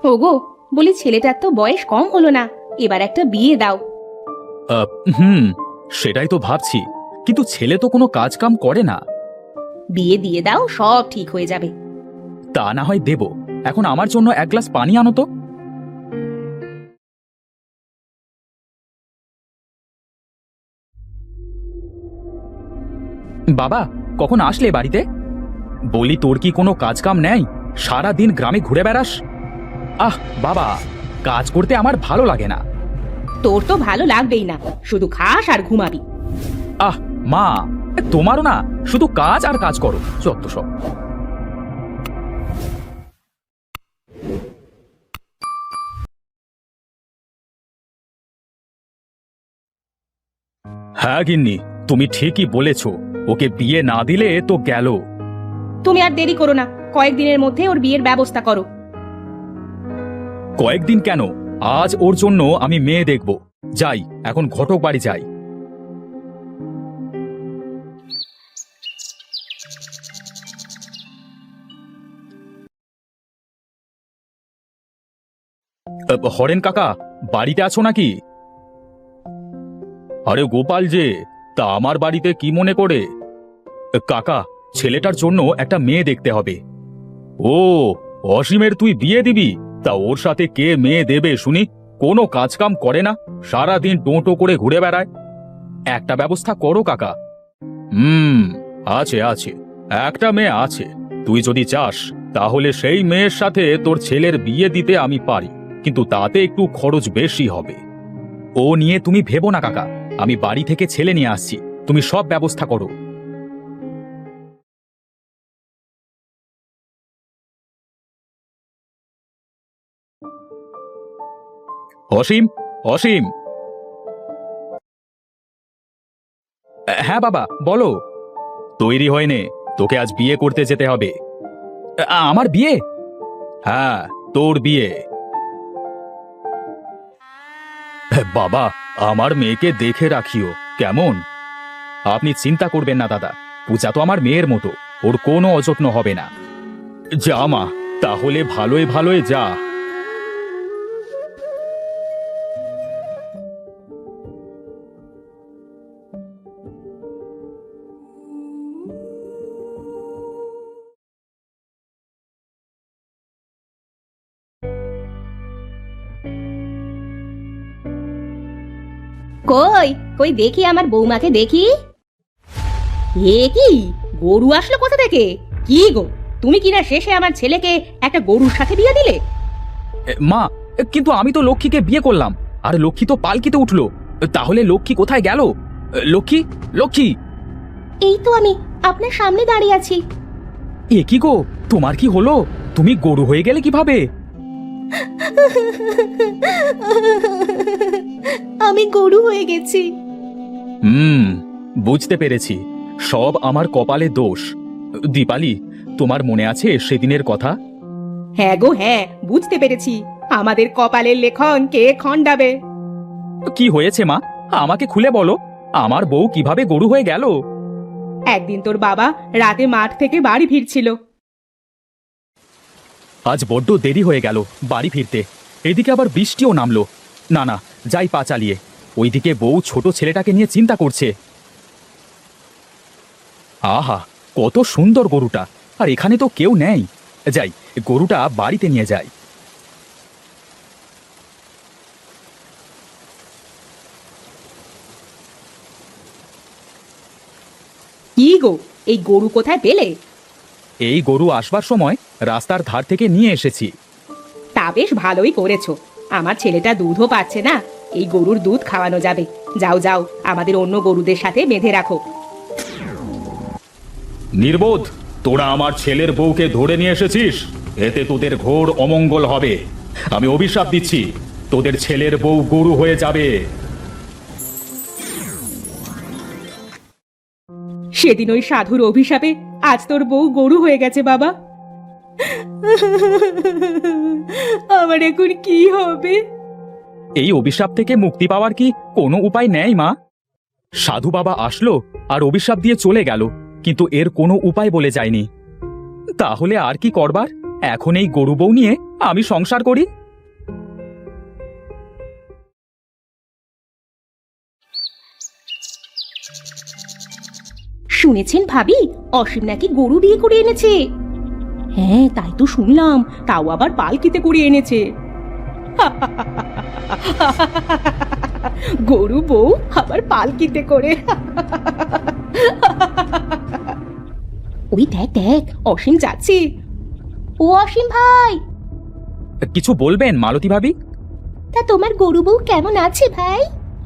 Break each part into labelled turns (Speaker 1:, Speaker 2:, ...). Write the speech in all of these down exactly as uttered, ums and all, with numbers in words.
Speaker 1: ওগো, বলি ছেলেটার তো বয়স কম হলো না, এবার একটা বিয়ে দাও।
Speaker 2: আহ, হুম সেটাই তো ভাবছি, কিন্তু ছেলে তো কোনো কাজ কাম করে না।
Speaker 1: বিয়ে দিয়ে দাও, সব ঠিক হয়ে যাবে।
Speaker 2: তা না হয় দেব, এখন আমার জন্য এক গ্লাস পানি আনো তো। বাবা, কখন আসলে বাড়িতে? বলি, তোর কি কোনো কাজ কাম নেই? সারা দিন গ্রামে ঘুরে বেড়াস। আহ বাবা, কাজ করতে আমার ভালো লাগে না।
Speaker 1: তোর তো ভালো লাগবেই না, শুধু খাস আর ঘুমাবি।
Speaker 2: আহ মা, তোমারও না শুধু কাজ আর কাজ করো, যত সব। হ্যাঁ গিন্নি, তুমি ঠিকই বলেছ, ওকে বিয়ে না দিলে তো গেল।
Speaker 1: তুমি আর দেরি করো না, কয়েকদিনের মধ্যে ওর বিয়ের ব্যবস্থা করো।
Speaker 2: কয়েকদিন কেন, আজ ওর জন্য আমি মেয়ে দেখব। যাই, এখন ঘটক বাড়ি যাই। আহ, হরেন কাকা, বাড়িতে আছো নাকি? আরে গোপাল যে, তা আমার বাড়িতে কি মনে করে? কাকা, ছেলেটার জন্য একটা মেয়ে দেখতে হবে। ও, অসীমের তুই বিয়ে দিবি? তা ওর সাথে কে মেয়ে দেবে শুনি? কোনো কাজকাম করে না, সারাদিন টোটো করে ঘুরে বেড়ায়। একটা ব্যবস্থা করো কাকা। হুম, আছে আছে, একটা মেয়ে আছে। তুই যদি চাস তাহলে সেই মেয়ের সাথে তোর ছেলের বিয়ে দিতে আমি পারি, কিন্তু তাতে একটু খরচ বেশি হবে। ও নিয়ে তুমি ভেবো না কাকা, আমি বাড়ি থেকে ছেলে নিয়ে আসছি, তুমি সব ব্যবস্থা করো। অসীম, অসীম। হ্যাঁ বাবা, বলো। তৈরি হয় নে, তোকে আজ বিয়ে করতে যেতে হবে। আ- আমার বিয়ে? হ্যাঁ, তোর বিয়ে। বাবা, আমার মেয়েকে দেখে রাখিও কেমন। আপনি চিন্তা করবেন না দাদা, পূজা তো আমার মেয়ের মতো, ওর কোনো অযত্ন হবে না। যা মা, তাহলে ভালোই ভালোই যা।
Speaker 1: কই কই দেখি আমার বৌমাকে দেখি। এ কি, গরু আসলো কোথা থেকে? কি গো, তুমি কিনা শেষে আমার ছেলেকে একটা গরুর সাথে বিয়ে দিলে?
Speaker 2: এ, মা, কিন্তু আমি তো লক্ষ্মীকে বিয়ে করলাম, আর লক্ষ্মী তো পালকিতে উঠলো। তাহলে লক্ষ্মী কোথায় গেল? লক্ষ্মী, লক্ষ্মী।
Speaker 1: এই তো আমি আপনার সামনে দাঁড়িয়ে আছি।
Speaker 2: এ কি গো, তোমার কি হলো? তুমি গরু হয়ে গেলে কিভাবে?
Speaker 1: আমি গরু হয়ে গেছি।
Speaker 2: হুম, বুঝতে পেরেছি, সব আমার কপালে দোষ। দীপালি, তোমার মনে আছে সেদিনের কথা?
Speaker 1: হ্যাঁ গো হ্যাঁ, বুঝতে পেরেছি। আমাদের কপালের লেখন কে খণ্ডাবে?
Speaker 2: কি হয়েছে মা, আমাকে খুলে বলো। আমার বউ কিভাবে গরু হয়ে গেল?
Speaker 1: একদিন তোর বাবা রাতে মাঠ থেকে বাড়ি ফিরছিল।
Speaker 2: আজ বড্ড দেরি হয়ে গেল বাড়ি ফিরতে, এদিকে আবার বৃষ্টিও নামলো। না না, যাই পা চালিয়ে। ওইদিকে বউ ছোট ছেলেটাকে নিয়ে চিন্তা করছে। আহা, কত সুন্দর গরুটা, আর এখানে তো কেউ নেই। যাই, গরুটা বাড়িতে নিয়ে যাই।
Speaker 1: কি গো, এই গরু কোথায় পেলে?
Speaker 2: এই গরু আসবার সময় রাস্তার ধার থেকে নিয়ে এসেছি।
Speaker 1: তা বেশ ভালোই করেছো। আমার ছেলেটা দুধও পাচ্ছে না, এই গরুর দুধ খাওয়ানো যাবে। যাও যাও, আমাদের অন্য গরুদের সাথে বেঁধে রাখো।
Speaker 2: নির্বোধ, তোরা আমার ছেলের বউকে ধরে নিয়ে এসেছিস, এতে তোদের ঘোর অমঙ্গল হবে। আমি অভিশাপ দিচ্ছি, তোদের ছেলের বউ গরু হয়ে যাবে।
Speaker 1: সেদিন ওই সাধুর অভিশাপে আজ তোর বউ গরু হয়ে গেছে বাবা। আমার এখন কি হবে?
Speaker 2: এই অভিশাপ থেকে মুক্তি পাওয়ার কি কোনো উপায় নেই মা? সাধু বাবা আসলো আর অভিশাপ দিয়ে চলে গেল, কিন্তু এর কোনো উপায় বলে যায়নি। তাহলে আর কি করবার? এখন এই গরু বউ নিয়ে আমি সংসার করি।
Speaker 1: শুনেছেন ভাবি, অসীম নাকি গরু বিয়ে করে এনেছে। হ্যাঁ, তাই তো শুনলাম, তাও আবার পালকিতে করে এনেছে। গরু বউ আবার পালকিতে করে। ওই দেখ দেখ, অসীম যাচ্ছে। ও অসীম ভাই,
Speaker 2: কিছু বলবেন মালতী ভাবি?
Speaker 1: তা তোমার গরু বউ কেমন আছে ভাই?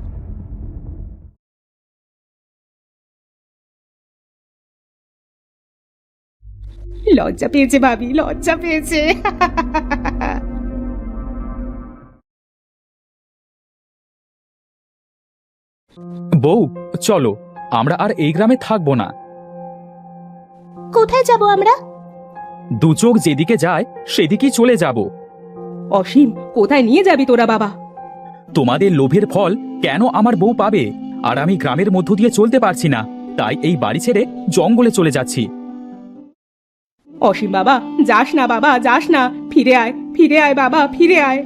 Speaker 1: লজ্জা পেয়েছে ভাবি, লজ্জা পেয়েছে।
Speaker 2: বউ, চলো, আমরা আর এই গ্রামে থাকবো না।
Speaker 1: কোথায় যাব আমরা?
Speaker 2: দু চোখ যেদিকে যায় সেদিকেই চলে যাব।
Speaker 1: অসীম, কোথায় নিয়ে যাবি তোরা বাবা?
Speaker 2: তোমাদের লোভের ফল কেন আমার বউ পাবে? আর আমি গ্রামের মধ্য দিয়ে চলতে পারছি না, তাই এই বাড়ি ছেড়ে জঙ্গলে চলে যাচ্ছি।
Speaker 1: অসীম বাবা, যাস না বাবা, যাস না, ফিরে আয়, ফিরে আয় বাবা, ফিরে আয়।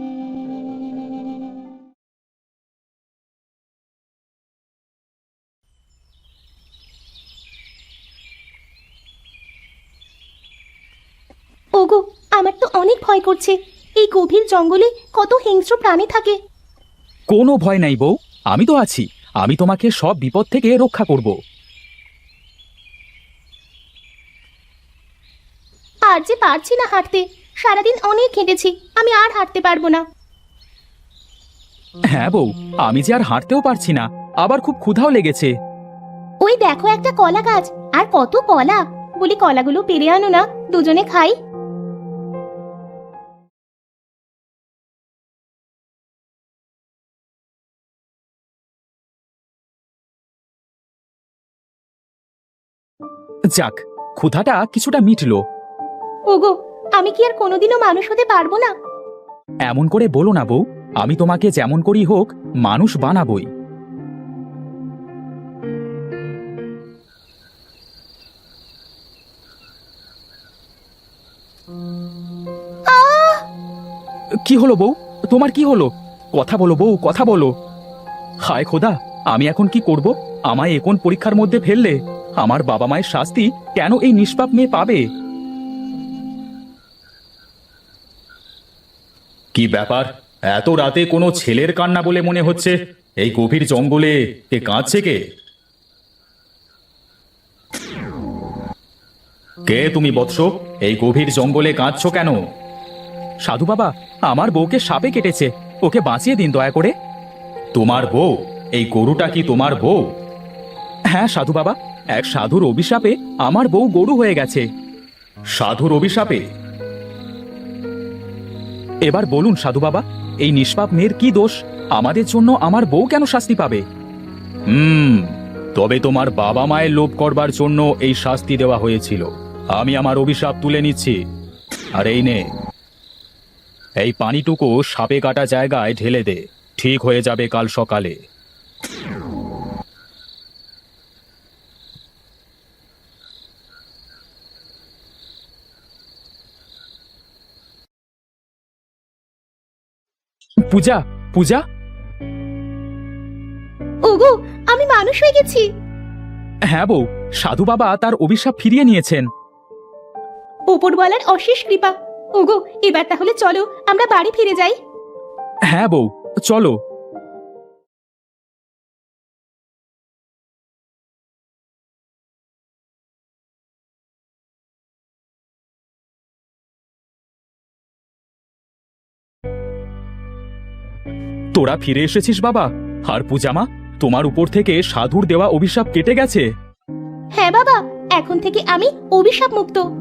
Speaker 1: ওগো, আমার তো অনেক ভয় করছে। এই গভীর জঙ্গলে কত হিংস্র প্রাণী থাকে।
Speaker 2: কোনো ভয় নাই বউ, আমি তো আছি। আমি তোমাকে সব বিপদ থেকে রক্ষা করব।
Speaker 1: আর যে পারছি না হাঁটতে, সারাদিন অনেক হেঁটেছি, আমি আর হাঁটতে পারবো না।
Speaker 2: হ্যাঁ বউ, আমি যে আর হাঁটতেও পারছি না, আবার খুব ক্ষুধাও লেগেছে।
Speaker 1: ওই দেখো একটা কলা গাছ, আর কত কলা, বলি কলাগুলো পেরে আনো না, দুজনে খাই।
Speaker 2: যাক, ক্ষুধাটা কিছুটা মিটলো।
Speaker 1: ওগো, আমি কি আর কোনোদিনও মানুষ হতে পারবো না?
Speaker 2: এমন করে বলো না বউ, আমি তোমাকে যেমন করি হোক মানুষ বানাবই। কি হলো বউ, তোমার কি হলো? কথা বলো বউ, কথা বলো। হায় খোদা, আমি এখন কি করব? আমায় এখন পরীক্ষার মধ্যে ফেললে। আমার বাবা মায়ের শাস্তি কেন এই নিষ্পাপ মেয়ে পাবে? কি ব্যাপার, এত রাতে কোনো ছেলের কান্না বলে মনে হচ্ছে? এই গভীর জঙ্গলে কে কাঁদছে? কে কে তুমি বৎস? এই গভীর জঙ্গলে কাঁদছো কেন? সাধু বাবা, আমার বউকে সাপে কেটেছে, ওকে বাঁচিয়ে দিন দয়া করে। তোমার বউ? এই গরুটা কি তোমার বউ? হ্যাঁ সাধু বাবা, এক সাধুর অভিশাপে আমার বউ গরু হয়ে গেছে। সাধুর অভিশাপে? এবার বলুন সাধু বাবা, এই নিষ্পাপ মেয়ের কি দোষ? আমাদের জন্য আমার বউ কেন শাস্তি পাবে? হুম, তবে তোমার বাবা মায়ের লোভ করবার জন্য এই শাস্তি দেওয়া হয়েছিল। আমি আমার অভিশাপ তুলে নিচ্ছি। আর এই নে, এই পানিটুকু সাপে কাটা জায়গায় ঢেলে দে, ঠিক হয়ে যাবে কাল সকালে। পূজা, পূজা,
Speaker 1: ওগো, আমি মানুষ হয়ে গেছি।
Speaker 2: হ্যাঁ বউ, সাধু বাবা তার অভিশাপ ফিরিয়ে নিয়েছেন।
Speaker 1: ওপরওয়ালার অশেষ কৃপা। ওগো, এবার তাহলে চলো আমরা বাড়ি ফিরে যাই।
Speaker 2: হ্যাঁ বউ, চলো। তোরা ফিরে এসেছিস বাবা। আর পূজামা, তোমার উপর থেকে সাধুর দেওয়া অভিশাপ কেটে গেছে।
Speaker 1: হ্যাঁ বাবা, এখন থেকে আমি অভিশাপ মুক্ত।